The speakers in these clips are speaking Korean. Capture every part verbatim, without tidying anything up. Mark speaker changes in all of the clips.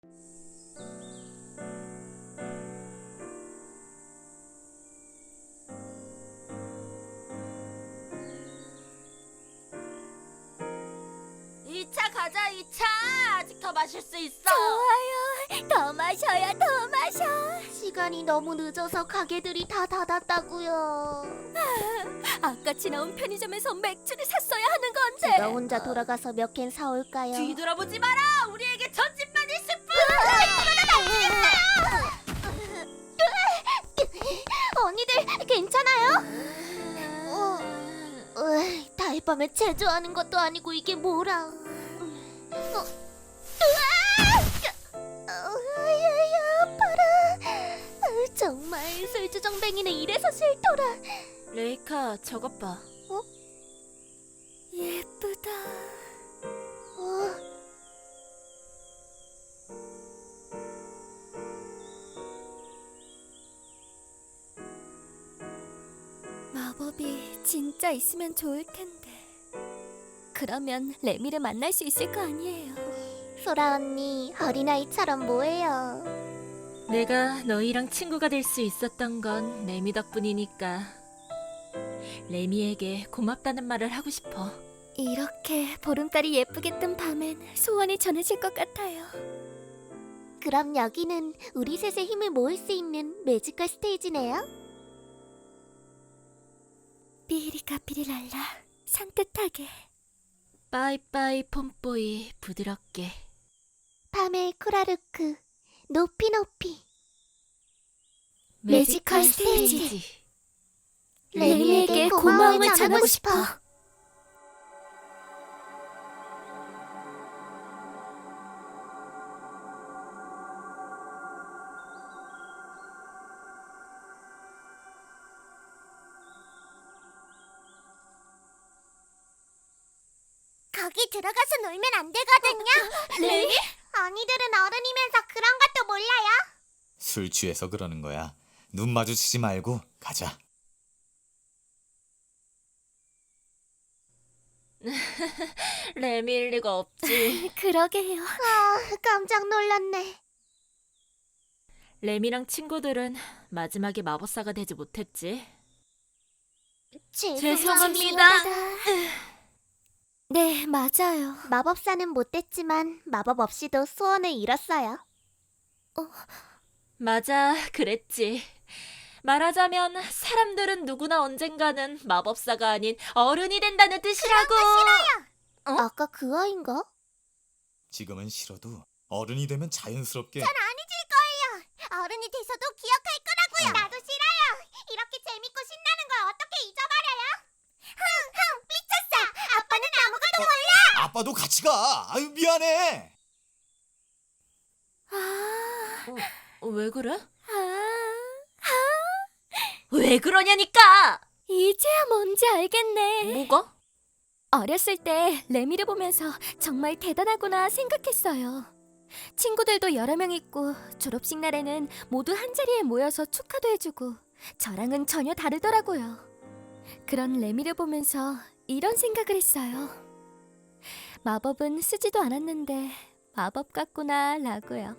Speaker 1: 이 차 가자, 이 차. 아직 더 마실 수 있어.
Speaker 2: 좋아요. 더 마셔요, 더 마셔.
Speaker 3: 시간이 너무 늦어서 가게들이 다 닫았다고요.
Speaker 2: 아까 지나온 편의점에서 맥주를 샀어야 하는 건데.
Speaker 3: 제가 혼자 돌아가서 몇 캔 사올까요?
Speaker 1: 뒤돌아보지 마라. 우리에게 전집만 있을 뿐.
Speaker 3: 언니들 괜찮아요? 어, 으, 달밤에 제조하는 것도 아니고 이게 뭐라? 어, 으아! 어, 아야야 아파라. 어, 정말 술주정뱅이는 이래서 싫더라.
Speaker 1: 레이카, 저것 봐.
Speaker 2: 예쁘다.
Speaker 3: 어,
Speaker 2: 마법이 진짜 있으면 좋을 텐데. 그러면 레미를 만날 수 있을 거 아니에요.
Speaker 3: 소라 언니 어린아이처럼 뭐해요?
Speaker 1: 내가 너희랑 친구가 될 수 있었던 건 레미 덕분이니까 레미에게 고맙다는 말을 하고 싶어.
Speaker 2: 이렇게 보름달이 예쁘게 뜬 밤엔 소원이 전해질 것 같아요.
Speaker 3: 그럼 여기는 우리 셋의 힘을 모을 수 있는 매지컬 스테이지네요?
Speaker 2: 삐리까삐리랄라 산뜻하게.
Speaker 1: 빠이빠이 폼뽀이 부드럽게.
Speaker 3: 밤의 코라루크 높이 높이.
Speaker 2: 매지컬 스테이지.
Speaker 3: 레미에게 고마움을 전하고 싶어. 거기 들어가서 놀면 안 되거든요.
Speaker 1: 레미?
Speaker 3: 언니들은 어른이면서 그런 것도 몰라요.
Speaker 4: 술 취해서 그러는 거야. 눈 마주치지 말고 가자.
Speaker 1: 레미일 리가 없지.
Speaker 2: 그러게요.
Speaker 3: 아, 깜짝 놀랐네.
Speaker 1: 레미랑 친구들은 마지막에 마법사가 되지 못했지. 죄송합니다.
Speaker 2: 네, 맞아요.
Speaker 3: 마법사는 못 됐지만 마법 없이도 소원을 이뤘어요.
Speaker 1: 맞아, 그랬지. 말하자면 사람들은 누구나 언젠가는 마법사가 아닌 어른이 된다는 뜻이라고. 어?
Speaker 3: 아까 그 아인가?
Speaker 4: 지금은 싫어도 어른이 되면 자연스럽게.
Speaker 3: 어른이 돼서도 기억할 거라고요. 나도 싫어요. 이렇게 재밌고 신나는 걸 어떻게 잊어버려요? 흥흥 미쳤어. 아빠는 아무것도 몰라.
Speaker 4: 아빠도 같이 가. 아유 미안해.
Speaker 2: 아,
Speaker 1: 어, 왜 그래?
Speaker 2: 아,
Speaker 1: 왜 그러냐니까!
Speaker 2: 이제야 뭔지 알겠네.
Speaker 1: 뭐가?
Speaker 2: 어렸을 때 레미를 보면서 정말 대단하구나 생각했어요. 친구들도 여러 명 있고 졸업식 날에는 모두 한자리에 모여서 축하도 해주고 저랑은 전혀 다르더라고요. 그런 레미를 보면서 이런 생각을 했어요. 마법은 쓰지도 않았는데 마법 같구나 라고요.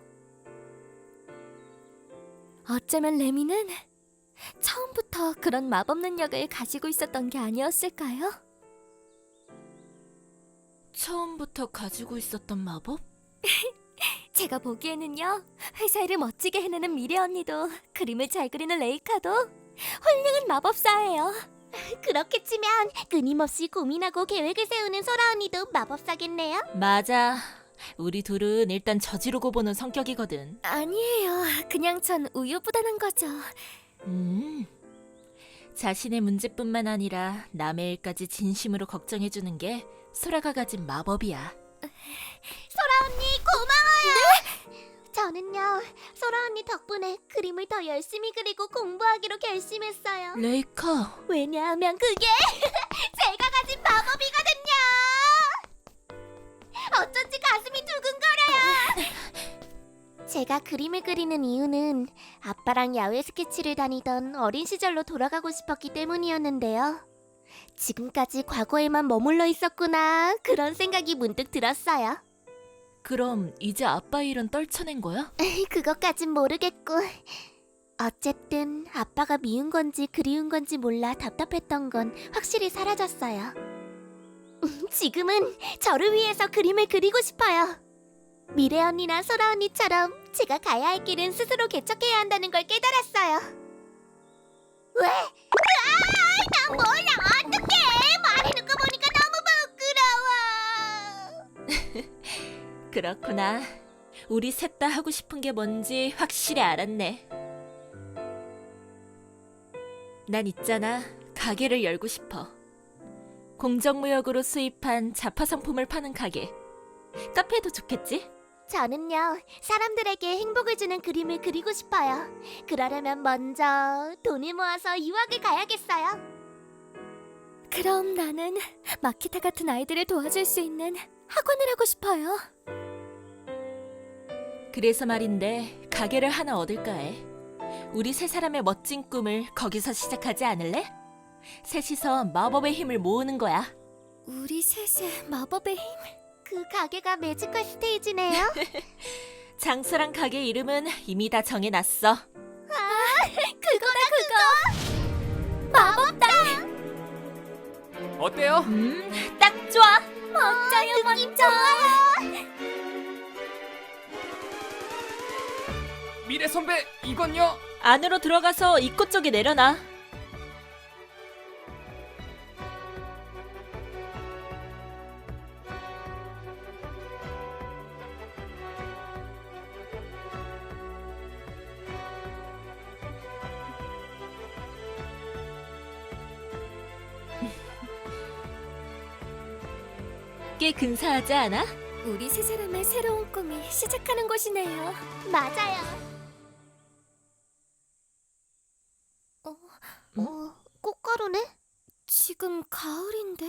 Speaker 2: 어쩌면 레미는 처음부터 그런 마법 능력을 가지고 있었던 게 아니었을까요?
Speaker 1: 처음부터 가지고 있었던 마법?
Speaker 2: 제가 보기에는요, 회사 일을 멋지게 해내는 미래 언니도 그림을 잘 그리는 레이카도 훌륭한 마법사예요.
Speaker 3: 그렇게 치면 끊임없이 고민하고 계획을 세우는 소라 언니도 마법사겠네요.
Speaker 1: 맞아. 우리 둘은 일단 저지르고 보는 성격이거든.
Speaker 2: 아니에요. 그냥 전 우유부단한 거죠.
Speaker 1: 음. 자신의 문제뿐만 아니라 남의 일까지 진심으로 걱정해주는 게 소라가 가진 마법이야.
Speaker 3: 소라 언니 고마워요. 저는요 소라 언니 덕분에 그림을 더 열심히 그리고 공부하기로 결심했어요.
Speaker 1: 레이카.
Speaker 3: 왜냐하면 그게 제가 가진 마법이거든요. 어쩐지 가슴이 두근거려요. 제가 그림을 그리는 이유는 아빠랑 야외 스케치를 다니던 어린 시절로 돌아가고 싶었기 때문이었는데요. 지금까지 과거에만 머물러 있었구나 그런 생각이 문득 들었어요.
Speaker 1: 그럼 이제 아빠 일은 떨쳐낸 거야?
Speaker 3: 그것까진 모르겠고. 어쨌든 아빠가 미운 건지 그리운 건지 몰라 답답했던 건 확실히 사라졌어요. 지금은 저를 위해서 그림을 그리고 싶어요. 미래 언니나 소라 언니처럼 제가 가야 할 길은 스스로 개척해야 한다는 걸 깨달았어요. 왜? 으아! 난 몰라. 어떡해. 말해놓고 보니까 너무 부끄러워.
Speaker 1: 그렇구나. 우리 셋 다 하고 싶은 게 뭔지 확실히 알았네. 난 있잖아. 가게를 열고 싶어. 공정무역으로 수입한 자파 상품을 파는 가게. 카페도 좋겠지?
Speaker 3: 저는요, 사람들에게 행복을 주는 그림을 그리고 싶어요. 그러려면 먼저 돈을 모아서 유학을 가야겠어요.
Speaker 2: 그럼 나는 마키타 같은 아이들을 도와줄 수 있는 학원을 하고 싶어요.
Speaker 1: 그래서 말인데 가게를 하나 얻을까 해. 우리 세 사람의 멋진 꿈을 거기서 시작하지 않을래? 셋이서 마법의 힘을 모으는 거야.
Speaker 2: 우리 셋의 마법의 힘?
Speaker 3: 그 가게가 매지컬 스테이지네요.
Speaker 1: 장소랑 가게 이름은 이미 다 정해놨어.
Speaker 3: 그거다 그거. 마법당.
Speaker 5: 어때요?
Speaker 1: 음, 딱 좋아.
Speaker 3: 멋져요 멋져.
Speaker 5: 미래 선배, 이건요?
Speaker 1: 안으로 들어가서 입구 쪽에 내려놔. 꽤 근사하지 않아?
Speaker 2: 우리 세 사람의 새로운 꿈이 시작하는 곳이네요.
Speaker 3: 맞아요. 어, 어, 꽃가루네?
Speaker 2: 지금 가을인데?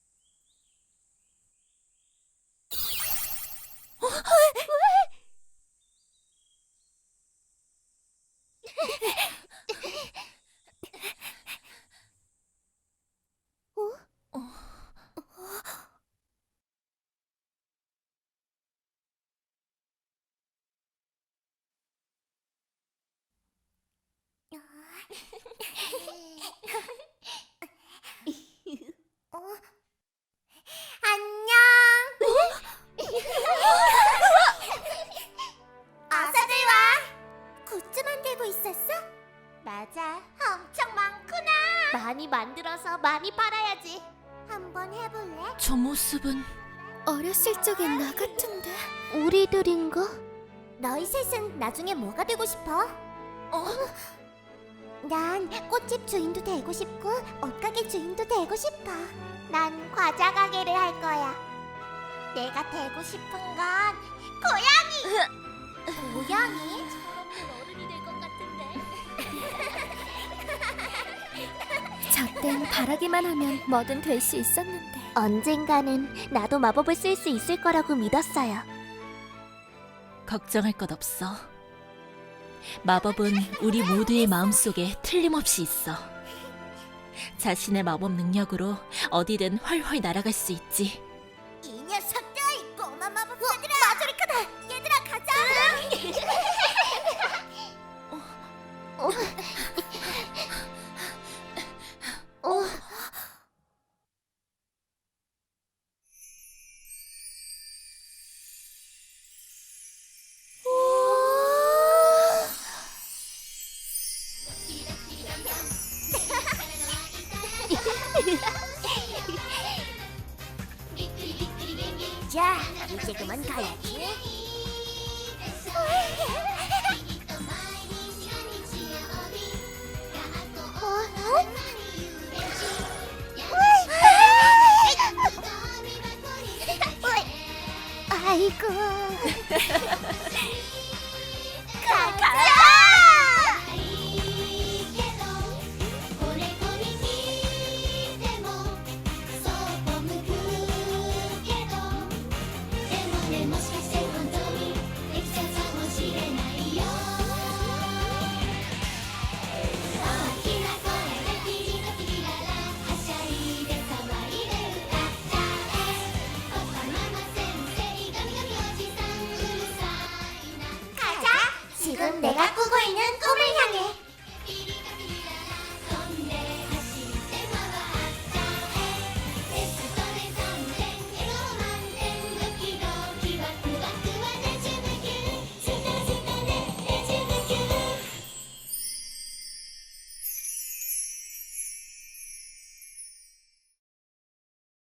Speaker 3: 어? 안녕. 어서들 와. 굿즈 만들고 있었어? 맞아. 엄청 많구나. 많이 만들어서 많이 팔아야지. 한번 해볼래?
Speaker 1: 저 모습은
Speaker 2: 어렸을 적의 나 같은데?
Speaker 3: 우리들인가? 너희 셋은 나중에 뭐가 되고 싶어? 어? 난 꽃집 주인도 되고 싶고 옷가게 주인도 되고 싶어. 난 과자 가게를 할 거야. 내가 되고 싶은 건 고양이. 고양이? 어른이 될 것 같은데.
Speaker 2: 저땐 바라기만 하면 뭐든 될 수 있었는데.
Speaker 3: 언젠가는 나도 마법을 쓸 수 있을 거라고 믿었어요.
Speaker 1: 걱정할 것 없어. 마법은 우리 모두의 마음속에 틀림없이 있어. 자신의 마법 능력으로 어디든 훨훨 날아갈 수 있지.
Speaker 3: 이 녀석들! 꼬마 마법사들아! 어, 마조리카다! 얘들아 가자! 어. 어. 자, 이제 그만 가야지. 아이고. 가자! 지금 내가 꾸고 있는 꿈을 향해